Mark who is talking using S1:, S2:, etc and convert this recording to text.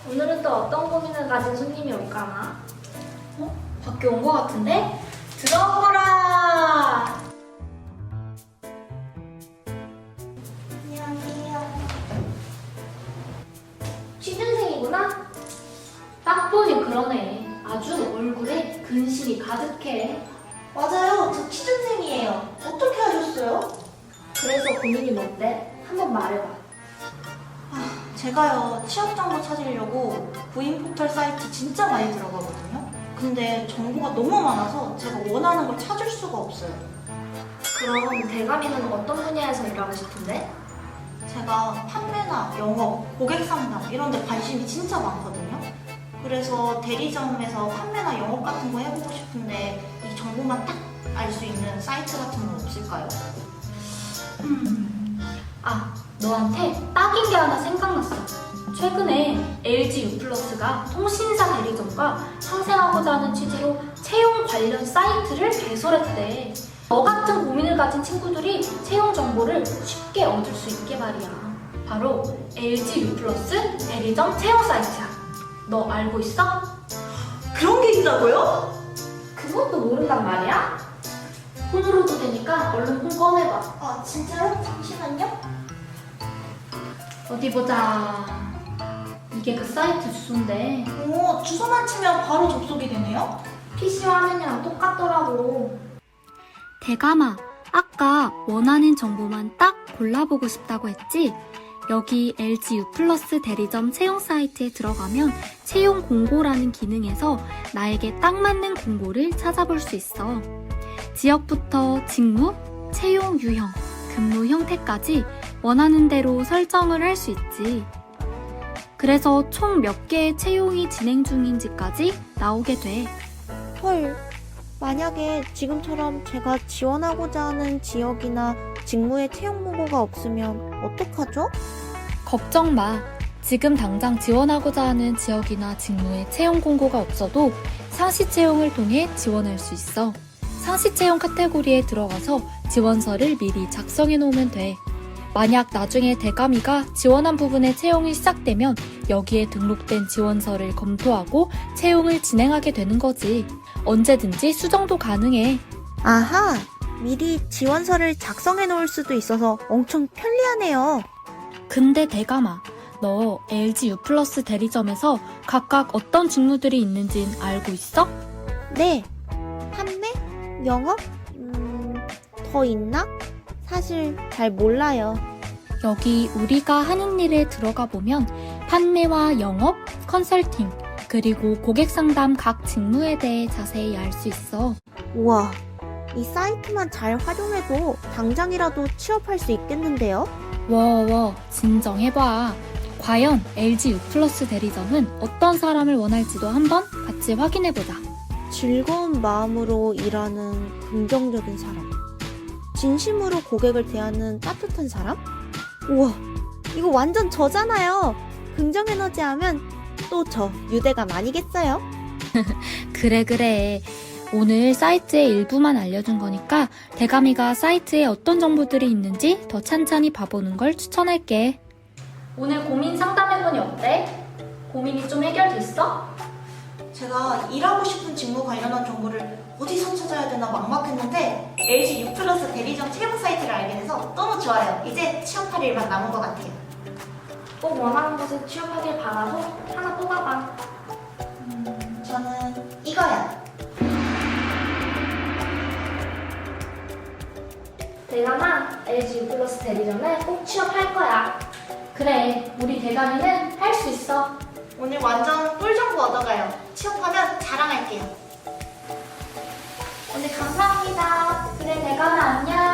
S1: 오늘은 또 어떤 고민을 가진 손님이 올까나?
S2: 밖에 온 것 같은데? 들어오거라!
S3: 안녕하세요.
S1: 취준생이구나? 딱 보니 그러네. 아주 얼굴에 근심이 가득해.
S3: 맞아요. 저 취준생이에요. 어떻게 하셨어요?
S1: 그래서 고민이 뭔데? 한번 말해봐.
S3: 제가요, 취업 정보 찾으려고 구인 포털 사이트 진짜 많이 들어가거든요. 근데 정보가 너무 많아서 제가 원하는 걸 찾을 수가 없어요.
S1: 그럼 대감이는 어떤 분야에서 일하고 싶은데?
S3: 제가 판매나 영업, 고객 상담 이런 데 관심이 진짜 많거든요. 그래서 대리점에서 판매나 영업 같은 거 해보고 싶은데 이 정보만 딱 알 수 있는 사이트 같은 건 없을까요?
S1: 너한테 딱인 게 하나 생각났어. 최근에 LG U+가 통신사 대리점과 상생하고자 하는 취지로 채용 관련 사이트를 개설했대. 너 같은 고민을 가진 친구들이 채용 정보를 쉽게 얻을 수 있게 말이야. 바로 LG U+ 대리점 채용 사이트야. 너 알고 있어?
S3: 그런 게 있다고요?
S1: 그것도 모른단 말이야? 폰으로도 되니까 얼른 폰 꺼내봐.
S3: 아, 진짜요? 잠시만요.
S1: 어디 보자. 이게 그 사이트 주소인데
S3: 오, 주소만 치면 바로 접속이 되네요?
S1: PC 화면이랑 똑같더라고.
S4: 대감아, 아까 원하는 정보만 딱 골라보고 싶다고 했지? 여기 LG U+ 대리점 채용 사이트에 들어가면 채용 공고라는 기능에서 나에게 딱 맞는 공고를 찾아볼 수 있어. 지역부터 직무, 채용 유형, 근무 형태까지 원하는 대로 설정을 할 수 있지. 그래서 총 몇 개의 채용이 진행 중인지까지 나오게 돼.
S5: 헐, 만약에 지금처럼 제가 지원하고자 하는 지역이나 직무의 채용 보고가 없으면 어떡하죠?
S4: 걱정 마. 지금 당장 지원하고자 하는 지역이나 직무에 채용 공고가 없어도 상시 채용을 통해 지원할 수 있어. 상시 채용 카테고리에 들어가서 지원서를 미리 작성해 놓으면 돼. 만약 나중에 대감이가 지원한 부분에 채용이 시작되면 여기에 등록된 지원서를 검토하고 채용을 진행하게 되는 거지. 언제든지 수정도 가능해.
S5: 아하, 미리 지원서를 작성해 놓을 수도 있어서 엄청 편리하네요.
S4: 근데 대감아, 너 LG U+ 대리점에서 각각 어떤 직무들이 있는진 알고 있어?
S5: 네, 판매? 영업? 더 있나? 사실 잘 몰라요.
S4: 여기 우리가 하는 일에 들어가 보면 판매와 영업, 컨설팅, 그리고 고객 상담 각 직무에 대해 자세히 알 수 있어.
S5: 우와, 이 사이트만 잘 활용해도 당장이라도 취업할 수 있겠는데요?
S4: 워워, 진정해봐. 과연 LG U+ 대리점은 어떤 사람을 원할지도 한번 같이 확인해보자.
S5: 즐거운 마음으로 일하는 긍정적인 사람. 진심으로 고객을 대하는 따뜻한 사람? 우와, 이거 완전 저잖아요. 긍정 에너지 하면 또 저 유대감 아니겠어요?
S4: 그래. 오늘 사이트의 일부만 알려준 거니까 대감이가 사이트에 어떤 정보들이 있는지 더 찬찬히 봐보는 걸 추천할게.
S1: 오늘 고민 상담해보니 어때? 고민이 좀 해결됐어?
S3: 제가 일하고 싶은 직무 관련한 정보를 어디서 찾아야 되나 막막했는데 LG U+ 대리점 채용 사이트를 알게 돼서 너무 좋아요. 이제 취업할 일만 남은 것 같아요.
S1: 꼭 원하는 곳에 취업하길 바라고 하나 뽑아봐.
S3: 저는 이거요.
S1: 대감아, LG U+ 대리점에 꼭 취업할 거야. 그래, 우리 대감이는 할 수 있어.
S3: 오늘 완전 꿀 정보 얻어가요. 취업하면 자랑할게요.
S1: 오늘 감사합니다. 그래, 대감아 안녕.